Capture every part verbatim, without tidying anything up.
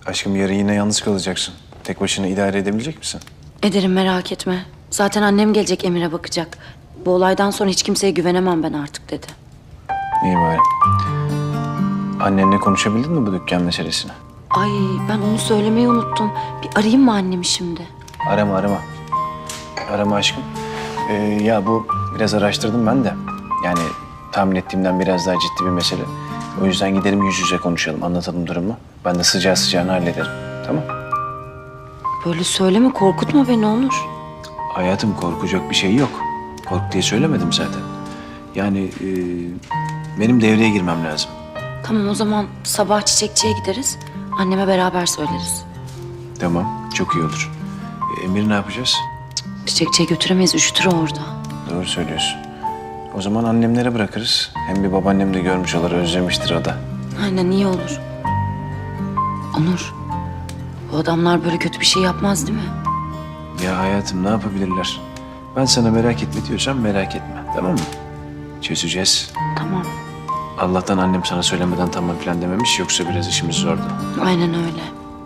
Aşkım yarın yine yalnız kalacaksın. Tek başına idare edebilecek misin? Ederim, merak etme. Zaten annem gelecek, Emir'e bakacak. Bu olaydan sonra hiç kimseye güvenemem ben artık dedi. İyi bari. Annenle konuşabildin mi bu dükkan meselesini? Ay, ben onu söylemeyi unuttum. Bir arayayım mı annemi şimdi? Arama arama. Arama aşkım. Ee, ya bu biraz araştırdım ben de. Yani tahmin ettiğimden biraz daha ciddi bir mesele. O yüzden gidelim yüz yüze konuşalım, anlatalım durumu. Ben de sıcağı sıcağına hallederim. Tamam? Böyle söyleme, korkutma beni Onur. Hayatım korkacak bir şey yok. Kork diye söylemedim zaten. Yani e, benim devreye girmem lazım. Tamam, o zaman sabah çiçekçiye gideriz. Anneme beraber söyleriz. Tamam, çok iyi olur. E, Emir'i ne yapacağız? Çiçekçiye götüremeyiz, üşütür o orada. Doğru söylüyorsun. O zaman annemlere bırakırız. Hem bir babaannem de görmüş olur, özlemiştir o da. Aynen, iyi olur. Onur, bu adamlar böyle kötü bir şey yapmaz değil mi? Ya hayatım ne yapabilirler? Ben sana merak etme diyorsam merak etme, tamam mı? Çözeceğiz. Tamam, Allah'tan annem sana söylemeden tamam falan dememiş, yoksa biraz işimiz zordu. aynen öyle.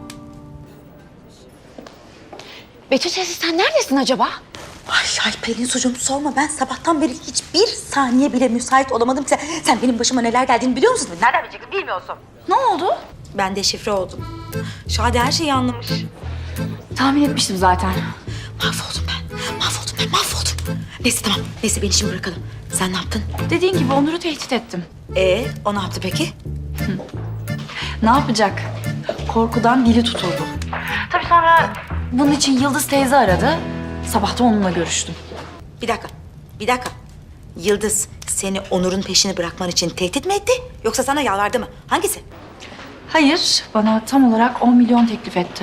Betül teyze sen neredesin acaba? Ay ay Pelin sucuğum sorma, ben sabahtan beri hiçbir saniye bile müsait olamadım. Sen, sen benim başıma neler geldiğini biliyor musun? Nereden bileceksin, bilmiyorsun. Ne oldu? Ben deşifre oldum. Şadi her şeyi anlamış. Tahmin etmiştim zaten. Mahvoldum ben, mahvoldum ben, mahvoldum. Neyse tamam, neyse beni şimdi bırakalım. Sen ne yaptın? Dediğin gibi Onur'u tehdit ettim. Ee, o ne yaptı peki? Ne yapacak? Korkudan dili tutuldu. Tabii sonra bunun için Yıldız teyze aradı. Sabah da onunla görüştüm. Bir dakika, bir dakika. Yıldız seni Onur'un peşini bırakman için tehdit mi etti? Yoksa sana yalvardı mı? Hangisi? Hayır, bana tam olarak on milyon teklif etti.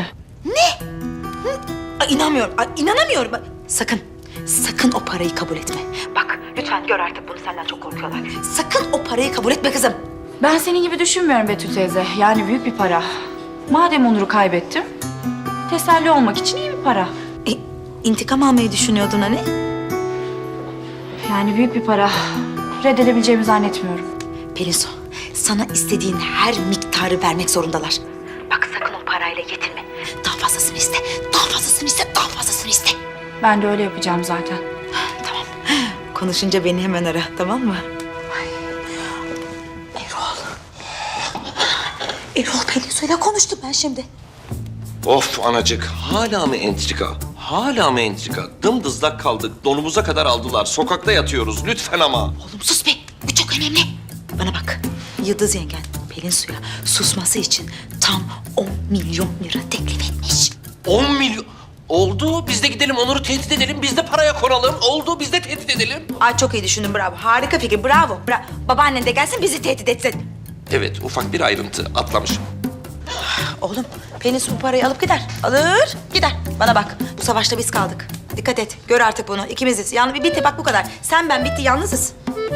Ay, inanmıyorum, ay, inanamıyorum. Bak, sakın, sakın o parayı kabul etme. Bak lütfen gör artık bunu, senden çok korkuyorlar. Sakın o parayı kabul etme kızım. Ben senin gibi düşünmüyorum Betül teyze. Yani büyük bir para. Madem Onur'u kaybettim, teselli olmak için iyi bir para. E, intikam almayı düşünüyordun hani? Yani büyük bir para. Reddedebileceğimi zannetmiyorum. Pelinsu, sana istediğin her miktarı vermek zorundalar. Bak sakın o parayla yetinme. Daha fazlasını iste, daha fazlasını iste, daha fazlasını iste. Ben de öyle yapacağım zaten. Tamam. Konuşunca beni hemen ara, tamam mı? Ay. Erol. Erol Pelinsu'yla konuştum ben şimdi. Of anacık, hala mı entrika? Hala mı entrika? Dımdızlak kaldık, donumuza kadar aldılar. Sokakta yatıyoruz, lütfen ama. Oğlum sus be, bu çok önemli. Bana bak, Yıldız yengen Pelinsu'ya susması için tam on milyon lira teklif etmiş. On milyon... Oldu, biz de gidelim Onur'u tehdit edelim, biz de paraya konalım. Oldu, biz de tehdit edelim. Ay çok iyi düşündün, bravo. Harika fikir, bravo. Bra Babaannen de gelsin, bizi tehdit etsin. Evet, ufak bir ayrıntı atlamışım. Oğlum, Pelinsu bu parayı alıp gider. Alır, gider. Bana bak, bu savaşta biz kaldık. Dikkat et, gör artık bunu. İkimiziz. Yalnız bitti, bak bu kadar. Sen ben bitti, yalnızız.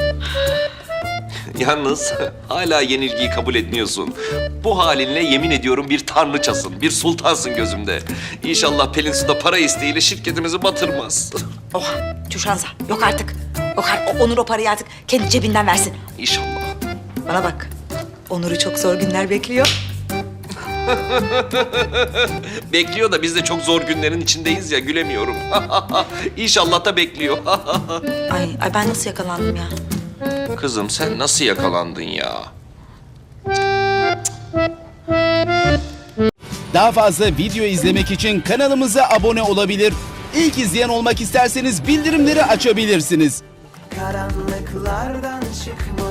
Yalnız hala yenilgiyi kabul etmiyorsun. Bu halinle yemin ediyorum bir tanrıçasın, bir sultansın gözümde. İnşallah Pelin Su da para isteğiyle şirketimizi batırmaz. Oha, tüşansa. Yok artık. Yok artık. O- Onur o parayı artık kendi cebinden versin. İnşallah. Bana bak, Onur'u çok zor günler bekliyor. Bekliyor da biz de çok zor günlerin içindeyiz ya, gülemiyorum. İnşallah da bekliyor. Ay, ay ben nasıl yakalandım ya? Kızım sen nasıl yakalandın ya? Daha fazla video izlemek için kanalımıza abone olabilir. İlk izleyen olmak isterseniz bildirimleri açabilirsiniz. Karanlıklardan çıkmalı